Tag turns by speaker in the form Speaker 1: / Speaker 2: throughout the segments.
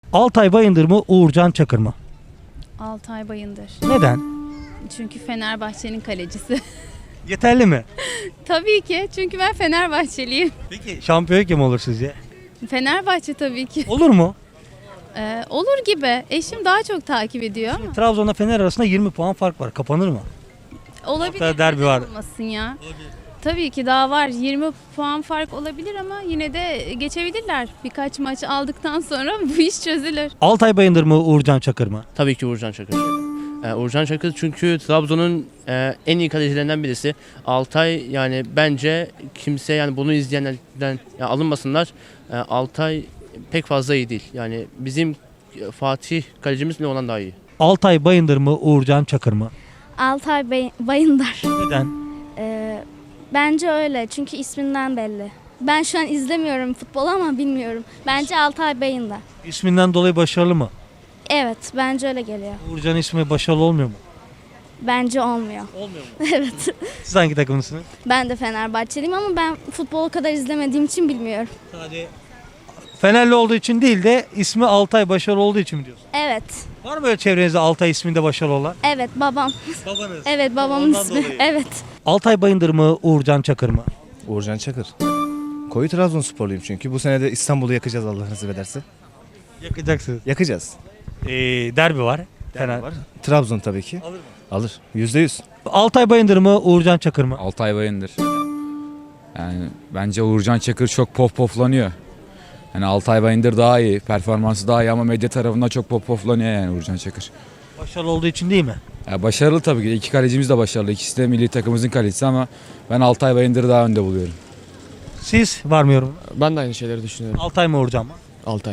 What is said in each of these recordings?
Speaker 1: Altay Bayındır mı, Uğurcan Çakır mı?
Speaker 2: Altay Bayındır.
Speaker 1: Neden?
Speaker 2: Çünkü Fenerbahçe'nin kalecisi.
Speaker 1: Yeterli mi?
Speaker 2: Tabii ki. Çünkü ben Fenerbahçeliyim.
Speaker 1: Peki şampiyon kim olur sizce?
Speaker 2: Fenerbahçe tabii ki.
Speaker 1: Olur mu?
Speaker 2: Olur gibi. Eşim daha çok takip ediyor ama.
Speaker 1: Trabzon'la Fener arasında 20 puan fark var. Kapanır mı?
Speaker 2: Olabilir.
Speaker 1: Hatta derbi var.
Speaker 2: Olmasın ya. Tabii ki daha var. 20 puan fark olabilir ama yine de geçebilirler. Birkaç maç aldıktan sonra bu iş çözülür.
Speaker 1: Altay Bayındır mı, Uğurcan Çakır mı?
Speaker 3: Tabii ki Uğurcan Çakır. Uğurcan Çakır çünkü Trabzon'un en iyi kalecilerinden birisi. Altay yani bence kimse yani bunu izleyenlerden alınmasınlar. Altay pek fazla iyi değil. Yani bizim Fatih kalecimiz bile ondan daha iyi.
Speaker 1: Altay Bayındır mı, Uğurcan Çakır mı?
Speaker 4: Altay Bayındar.
Speaker 1: Neden?
Speaker 4: Bence öyle çünkü isminden belli. Ben şu an izlemiyorum futbol ama bilmiyorum. Bence Altay Bayındar.
Speaker 1: İsminden dolayı başarılı mı?
Speaker 4: Evet, bence öyle geliyor.
Speaker 1: Uğurcan ismi başarılı olmuyor mu?
Speaker 4: Bence olmuyor.
Speaker 1: Olmuyor mu?
Speaker 4: Evet.
Speaker 1: Siz hangi takımlısınız?
Speaker 4: Ben de Fenerbahçeliyim ama ben futbolu o kadar izlemediğim için bilmiyorum.
Speaker 1: Sadece Fenerli olduğu için değil de ismi Altay başarılı olduğu için mi diyorsun?
Speaker 4: Evet.
Speaker 1: Var mı böyle çevrenizde Altay isminde başarılı olan?
Speaker 4: Evet, babam.
Speaker 1: Babanız.
Speaker 4: Evet, babamın
Speaker 1: Ondan
Speaker 4: ismi.
Speaker 1: dolayı.
Speaker 4: Evet.
Speaker 1: Altay Bayındır mı, Uğurcan Çakır mı?
Speaker 5: Uğurcan Çakır. Koyu Trabzonsporluyum çünkü. Bu sene de İstanbul'u yakacağız Allah nasip ederse.
Speaker 1: Yakacaksınız.
Speaker 5: Yakacağız.
Speaker 1: Derbi var. Fener.
Speaker 5: Var. Trabzon tabii ki.
Speaker 1: Alır mı?
Speaker 5: Alır. %100.
Speaker 1: Altay Bayındır mı, Uğurcan Çakır mı?
Speaker 6: Altay Bayındır. Yani bence Uğurcan Çakır çok poflanıyor. Yani Altay Bayındır daha iyi, performansı daha iyi ama medya tarafından çok poflanıyor yani Uğurcan Çakır.
Speaker 1: Başarılı olduğu için değil mi?
Speaker 6: Ya başarılı tabii ki. İki kalecimiz de başarılı. İkisi de milli takımımızın kalecisi ama ben Altay Bayındır'ı daha önde buluyorum.
Speaker 1: Siz var mı yorum?
Speaker 7: Ben de aynı şeyleri düşünüyorum.
Speaker 1: Altay mı, Uğurcan mı?
Speaker 7: Altay.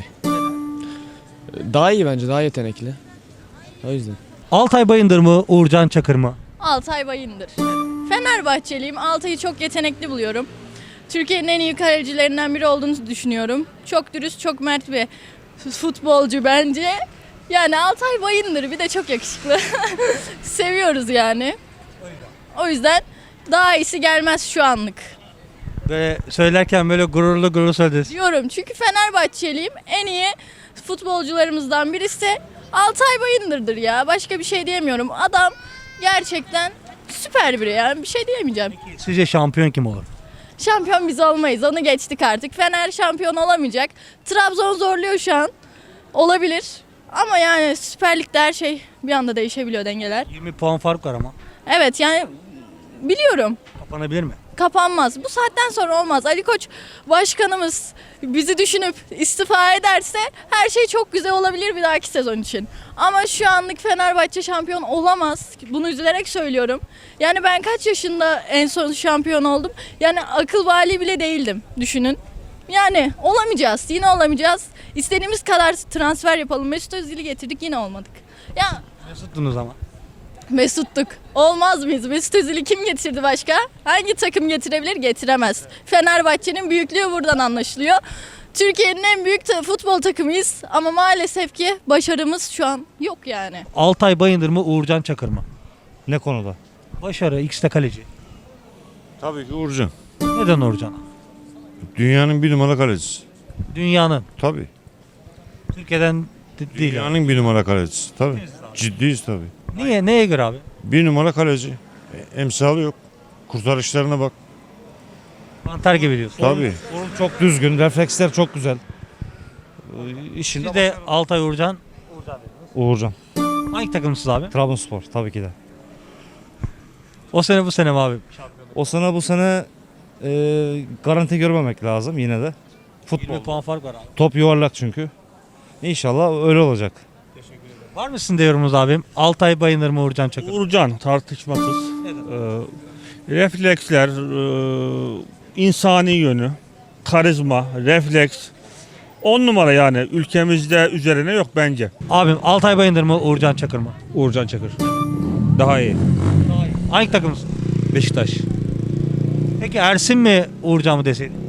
Speaker 7: Daha iyi bence, daha yetenekli. O yüzden.
Speaker 1: Altay Bayındır mı, Uğurcan Çakır mı?
Speaker 8: Altay Bayındır. Fenerbahçeliyim. Altay'ı çok yetenekli buluyorum. Türkiye'nin en iyi kalecilerinden biri olduğunu düşünüyorum. Çok dürüst, çok mert bir futbolcu bence. Yani Altay Bayındır bir de çok yakışıklı. Seviyoruz yani. O yüzden daha iyisi gelmez şu anlık.
Speaker 1: Böyle söylerken böyle gururlu söylediniz.
Speaker 8: Diyorum çünkü Fenerbahçeliyim. En iyi futbolcularımızdan birisi Altay Bayındır'dır ya. Başka bir şey diyemiyorum. Adam gerçekten süper biri yani. Bir şey diyemeyeceğim.
Speaker 1: Sizce şampiyon kim olur?
Speaker 8: Şampiyon biz olmayız. Onu geçtik artık. Fener şampiyon olamayacak. Trabzon zorluyor şu an. Olabilir. Ama yani Süper Lig'de her şey bir anda değişebiliyor dengeler.
Speaker 1: 20 puan fark var ama.
Speaker 8: Evet yani biliyorum.
Speaker 1: Kapanabilir mi?
Speaker 8: Kapanmaz. Bu saatten sonra olmaz. Ali Koç başkanımız bizi düşünüp istifa ederse her şey çok güzel olabilir bir dahaki sezon için. Ama şu anlık Fenerbahçe şampiyon olamaz. Bunu üzülerek söylüyorum. Yani ben kaç yaşında en son şampiyon oldum? Yani akıl vali bile değildim. Düşünün. Yani olamayacağız. Yine olamayacağız. İstediğimiz kadar transfer yapalım. Mesut Özil'i getirdik yine olmadık. Ya
Speaker 1: Mesuttunuz ama.
Speaker 8: Mesut'tuk. Olmaz mıyız? Mesut Özil'i kim getirdi başka? Hangi takım getirebilir? Getiremez. Fenerbahçe'nin büyüklüğü buradan anlaşılıyor. Türkiye'nin en büyük futbol takımıyız ama maalesef ki başarımız şu an yok yani.
Speaker 1: Altay Bayındır mı, Uğurcan Çakır mı?
Speaker 5: Ne konuda?
Speaker 1: Başarı, ikisi de kaleci.
Speaker 9: Tabii ki Uğurcan.
Speaker 1: Neden Uğurcan?
Speaker 9: Dünyanın bir numara kalecisi.
Speaker 1: Dünyanın.
Speaker 9: Tabii.
Speaker 1: Türkiye'den değil. Yani.
Speaker 9: Dünyanın bir numara kalecisi. Tabii. Ciddiyiz tabii.
Speaker 1: Niye? Neye göre abi?
Speaker 9: Bir numara kaleci. Emsalı yok. Kurtarışlarına bak.
Speaker 1: Mantar gibi diyorsun.
Speaker 9: Tabii.
Speaker 5: Form çok düzgün. Refleksler çok güzel. İşinde
Speaker 1: Siz de Altay Uğurcan.
Speaker 5: Uğurcan.
Speaker 1: Hangi takımsınız abi?
Speaker 5: Trabzonspor tabii ki de.
Speaker 1: O sene bu sene mi abi?
Speaker 5: O sene bu sene garanti görmemek lazım yine de.
Speaker 1: 20 puan fark var abi.
Speaker 5: Top yuvarlak çünkü. İnşallah öyle olacak.
Speaker 1: Var mı sizin de yorumunuz abim? Altay Bayındır mı, Uğurcan Çakır mı?
Speaker 10: Uğurcan tartışmasız. Refleksler, insani yönü, karizma, refleks. 10 numara yani ülkemizde üzerine yok bence.
Speaker 1: Abim Altay Bayındır mı, Uğurcan Çakır mı?
Speaker 10: Uğurcan Çakır. Daha iyi.
Speaker 1: Hangi takımsın?
Speaker 10: Beşiktaş.
Speaker 1: Peki Ersin mi, Uğurcan mı deseydin?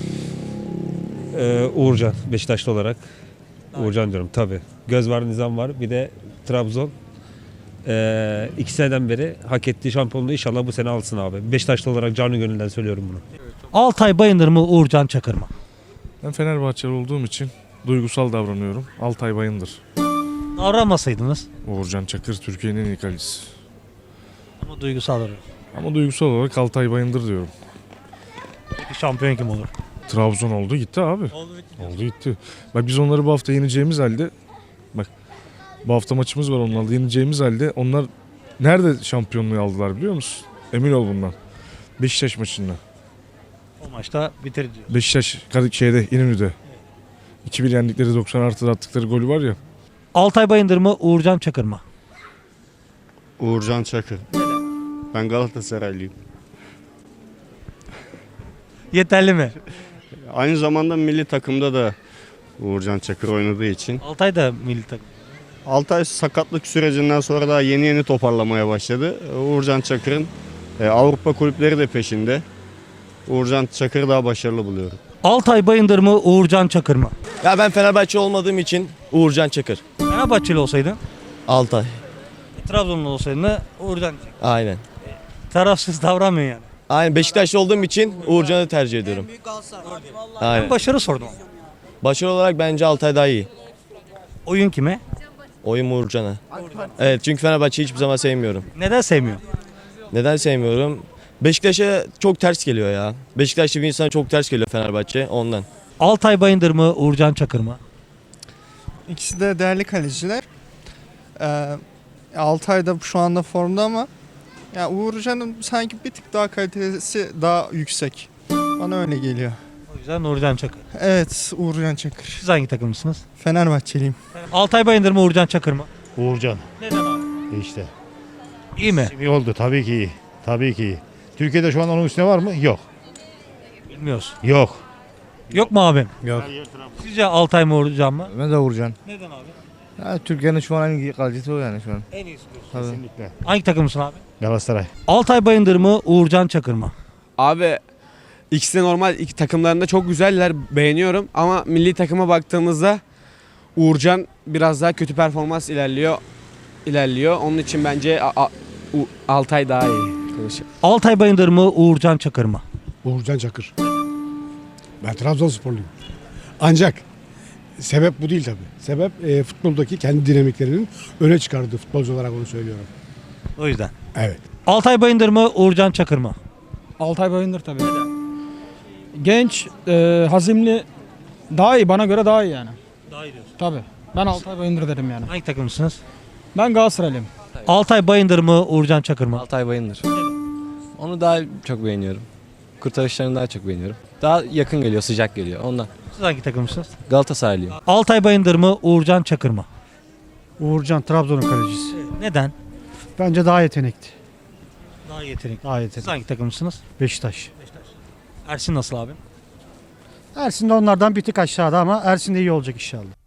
Speaker 10: Uğurcan Beşiktaşlı olarak. Uğurcan diyorum tabii. Göz var, nizam var. Bir de Trabzon. 2 seneden beri hak ettiği şampiyonluğu inşallah bu sene alsın abi. Beşiktaşlı olarak canı gönülden söylüyorum bunu.
Speaker 1: Altay Bayındır mı, Uğurcan Çakır mı?
Speaker 11: Ben Fenerbahçeli olduğum için
Speaker 9: Duygusal davranıyorum. Altay Bayındır.
Speaker 1: Davranmasaydınız
Speaker 9: Uğurcan Çakır Türkiye'nin en iyi kalecisi.
Speaker 1: ama duygusal davranıyor.
Speaker 9: Ama duygusal olarak Altay Bayındır diyorum.
Speaker 1: Peki şampiyon kim olur?
Speaker 9: Trabzon oldu gitti abi. Oldu gitti. Bak biz onları bu hafta yeneceğimiz halde, bak bu hafta maçımız var onlarla, yeneceğimiz halde onlar nerede şampiyonluğu aldılar biliyor musun? Emin ol bundan. Beşiktaş maçında.
Speaker 1: O maçta bitir diyor.
Speaker 9: Beşiktaş şeyde İnönü'de. 2-1 yendikleri 90 artıda attıkları golü var ya.
Speaker 1: Altay Bayındır mı, Uğurcan Çakır mı?
Speaker 11: Uğurcan Çakır. Ben Galatasaraylıyım.
Speaker 1: Yeterli mi?
Speaker 11: Aynı zamanda milli takımda da Uğurcan Çakır oynadığı için.
Speaker 1: Altay da milli takım.
Speaker 11: Altay sakatlık sürecinden sonra daha yeni toparlamaya başladı. Uğurcan Çakır'ın Avrupa kulüpleri de peşinde. Uğurcan Çakır'ı daha başarılı buluyorum.
Speaker 1: Altay Bayındır mı, Uğurcan Çakır mı?
Speaker 7: Ya ben Fenerbahçe olmadığım için Uğurcan Çakır.
Speaker 1: Fenerbahçeli olsaydın,
Speaker 7: Altay.
Speaker 1: Trabzonlu olsaydın da Uğurcan Çakır.
Speaker 7: Aynen.
Speaker 1: Tarafsız davranmıyor yani.
Speaker 7: Aynen Beşiktaşlı olduğum için Uğurcan'ı tercih ediyorum.
Speaker 1: Ben
Speaker 7: Aynen.
Speaker 1: başarı sordum.
Speaker 7: Başarı olarak bence Altay daha iyi.
Speaker 1: Oyun kime?
Speaker 7: Oyun Uğurcan'a. Evet çünkü Fenerbahçe'yi hiçbir zaman sevmiyorum.
Speaker 1: Neden sevmiyor?
Speaker 7: Neden sevmiyorum? Beşiktaş'a çok ters geliyor ya. Beşiktaşlı bir insana çok ters geliyor Fenerbahçe ondan.
Speaker 1: Altay Bayındır mı, Uğurcan Çakır mı?
Speaker 12: İkisi de değerli kaleciler. Altay da şu anda formda ama ya Uğurcan'ın sanki bir tık daha kalitesi daha yüksek. Bana öyle geliyor.
Speaker 1: O yüzden Uğurcan Çakır.
Speaker 12: Evet, Uğurcan Çakır.
Speaker 1: Siz hangi takımlısınız?
Speaker 12: Fenerbahçeliyim.
Speaker 1: Altay Bayındır mı, Uğurcan Çakır mı?
Speaker 9: Uğurcan
Speaker 1: Neden abi?
Speaker 9: işte.
Speaker 1: İyi mi?
Speaker 9: İyi oldu tabii ki iyi. Tabii ki iyi. Türkiye'de şu an onun üstüne var mı? Yok.
Speaker 1: Bilmiyoruz.
Speaker 9: Yok.
Speaker 1: Yok mu abim?
Speaker 5: Yok.
Speaker 1: Sizce Altay mı, Uğurcan mı?
Speaker 5: Ben de Uğurcan.
Speaker 1: Neden abi?
Speaker 5: Ya, Türkiye'nin şu an en iyi kalecisi o yani şu an.
Speaker 1: En iyisi diyorsun.
Speaker 5: Tabii.
Speaker 9: Kesinlikle.
Speaker 1: Hangi takımlısın abi?
Speaker 9: Galatasaray.
Speaker 1: Altay Bayındır mı, Uğurcan Çakır mı?
Speaker 13: Abi ikisi de normal iki takımlarında çok güzeller beğeniyorum ama milli takıma baktığımızda Uğurcan biraz daha kötü performans ilerliyor. Onun için bence Altay daha iyi.
Speaker 1: Altay Bayındır mı, Uğurcan Çakır mı?
Speaker 9: Uğurcan Çakır. Ben Trabzonsporluyum. Ancak sebep bu değil tabii. Sebep futboldaki kendi dinamiklerinin öne çıkardığı futbolcu olarak onu söylüyorum.
Speaker 1: O yüzden.
Speaker 9: Evet.
Speaker 1: Altay Bayındır mı, Uğurcan Çakır mı?
Speaker 12: Altay Bayındır tabii. Genç, hazimli, daha iyi. Bana göre daha iyi yani.
Speaker 1: Daha iyi diyorsun.
Speaker 12: Tabii. Ben Altay Bayındır derim yani.
Speaker 1: Hangi takımlısınız?
Speaker 12: Ben Galatasaraylıyım.
Speaker 1: Altay Bayındır mı, Uğurcan Çakır mı?
Speaker 7: Altay Bayındır. Onu daha çok beğeniyorum. Kurtarışlarını daha çok beğeniyorum. Daha yakın geliyor, sıcak geliyor ondan.
Speaker 1: Siz hangi takımlısınız?
Speaker 7: Galatasaraylıyım.
Speaker 1: Altay Bayındır mı, Uğurcan Çakır mı?
Speaker 12: Uğurcan Trabzon'un kalecisi.
Speaker 1: Neden?
Speaker 12: Bence daha yetenekli.
Speaker 1: Daha yetenekli.
Speaker 12: Daha
Speaker 1: Siz
Speaker 12: yetenekli.
Speaker 1: hangi takımlısınız?
Speaker 12: Beşiktaş.
Speaker 1: Ersin nasıl abi?
Speaker 12: Ersin de onlardan bir tık aşağıda ama Ersin de iyi olacak inşallah.